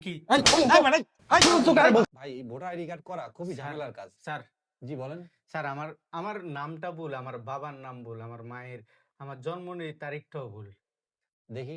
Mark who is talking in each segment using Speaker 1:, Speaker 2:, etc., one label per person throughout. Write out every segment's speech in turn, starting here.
Speaker 1: কি
Speaker 2: ভাই voter ID card করা খুবই ঝামেলার কাজ।
Speaker 1: স্যার
Speaker 2: জি বলেন।
Speaker 1: স্যার আমার আমার নামটা ভুল, আমার বাবার নাম ভুল, আমার মায়ের আমার জন্ম তারিখটাও ভুল।
Speaker 2: দেখি।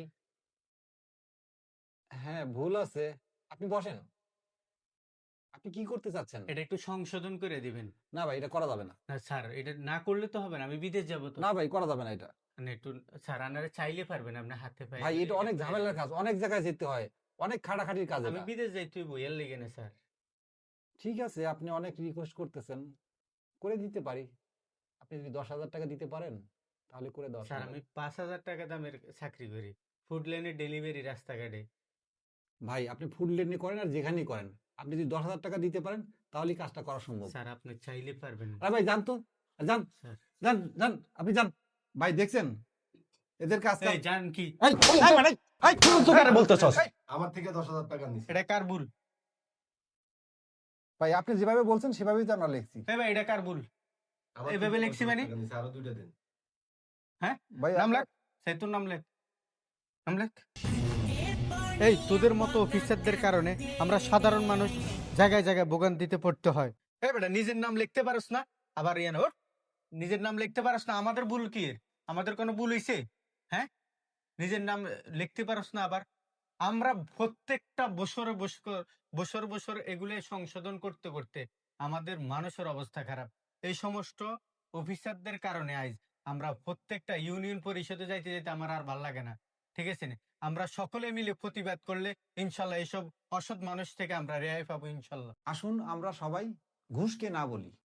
Speaker 2: হ্যাঁ, ভুল আছে। আপনি বসেন। আপনি কি করতে চাচ্ছেন?
Speaker 1: এটা একটু সংশোধন করে দিবেন।
Speaker 2: না ভাই, এটা করা যাবে না।
Speaker 1: না স্যার, এটা না করলে তো হবে না, আমি বিদেশ যাব তো।
Speaker 2: না ভাই, করা যাবে না এটা।
Speaker 1: মানে একটু স্যার আপনারা চাইলে পারবেন, আপনার হাতে পায়ে
Speaker 2: ভাই এটা অনেক ঝামেলার কাজ, অনেক জায়গায় যেতে হয়, অনেক খাটাখাটির কাজ
Speaker 1: আমি
Speaker 2: এটা।
Speaker 1: বিদেশ যাই তুই বইয়ার লেগে না স্যার।
Speaker 2: ঠিক আছে, আপনি অনেক রিকোয়েস্ট করতেছেন, করে দিতে পারি। আপনি যদি 10,000 টাকা দিতে পারেন তাহলে করে দেওয়া
Speaker 1: স্যার
Speaker 2: সম্ভব।
Speaker 1: আমি 5,000 টাকা দামের চাকরি করি, ফুড লাইনে ডেলিভারি রাস্তাঘাটে।
Speaker 2: ভাই আপনি ফুড লেনে করেন আর যেখানেই করেন, আপনি যদি 10,000 টাকা দিতে পারেন তাহলেই কাজটা করা সম্ভব।
Speaker 1: স্যার আপনি চাইলে পারবেন না।
Speaker 2: আরে ভাই যান তো, যান,
Speaker 1: স্যার
Speaker 2: যান, যান, আপনি যান। ভাই দেখছেন এদের কাজ
Speaker 1: এই জান কি
Speaker 2: বলতেছস?
Speaker 3: আমার থেকে 10,000 টাকা নিছে।
Speaker 1: এটা কার ভুল?
Speaker 2: ভাই আপনি যেভাবে বলছেন সেভাবেই তো আমরা লিখছি।
Speaker 1: এই ভাই এটা কার ভুল?
Speaker 3: আমার
Speaker 1: এইভাবে
Speaker 3: থেকে
Speaker 1: লিখছি
Speaker 3: 10,000
Speaker 1: মানে?
Speaker 3: টাকা নিছে, আরো 2টা দেন।
Speaker 1: হ্যাঁ
Speaker 2: ভাই
Speaker 1: নাম লেখ, সেই তোর নাম লেখ, নাম লেখ। এই তোদের মতো অফিসারদের কারণে আমরা সাধারণ মানুষ জায়গায় জায়গায় ভোগান্তিতে পড়তে হয়। এই বেটা নিজের নাম লিখতে পারস না, আবার ইয়ান ওর নিজের নাম লিখতে পারস না, আমাদের ভুল কি এর? আমাদের কোনো ভুল হইছে? হ্যাঁ, নিজের নাম লিখতে পারস না আবার। আমরা প্রত্যেকটা বছরে বছর বছর এগুলো সংশোধন করতে করতে আমাদের মানুষের অবস্থা খারাপ। এই সমস্ত অফিসারদের কারণে আজ আমরা প্রত্যেকটা ইউনিয়ন পরিষদে যাইতে যাইতে আমার আর ভাল লাগে না। ঠিক আছে না? আমরা সকলে মিলে প্রতিবাদ করলে ইনশাল্লাহ এসব অসৎ মানুষ থেকে আমরা রেহাই পাবো ইনশাল্লাহ।
Speaker 2: আসুন আমরা সবাই ঘুষকে না বলি।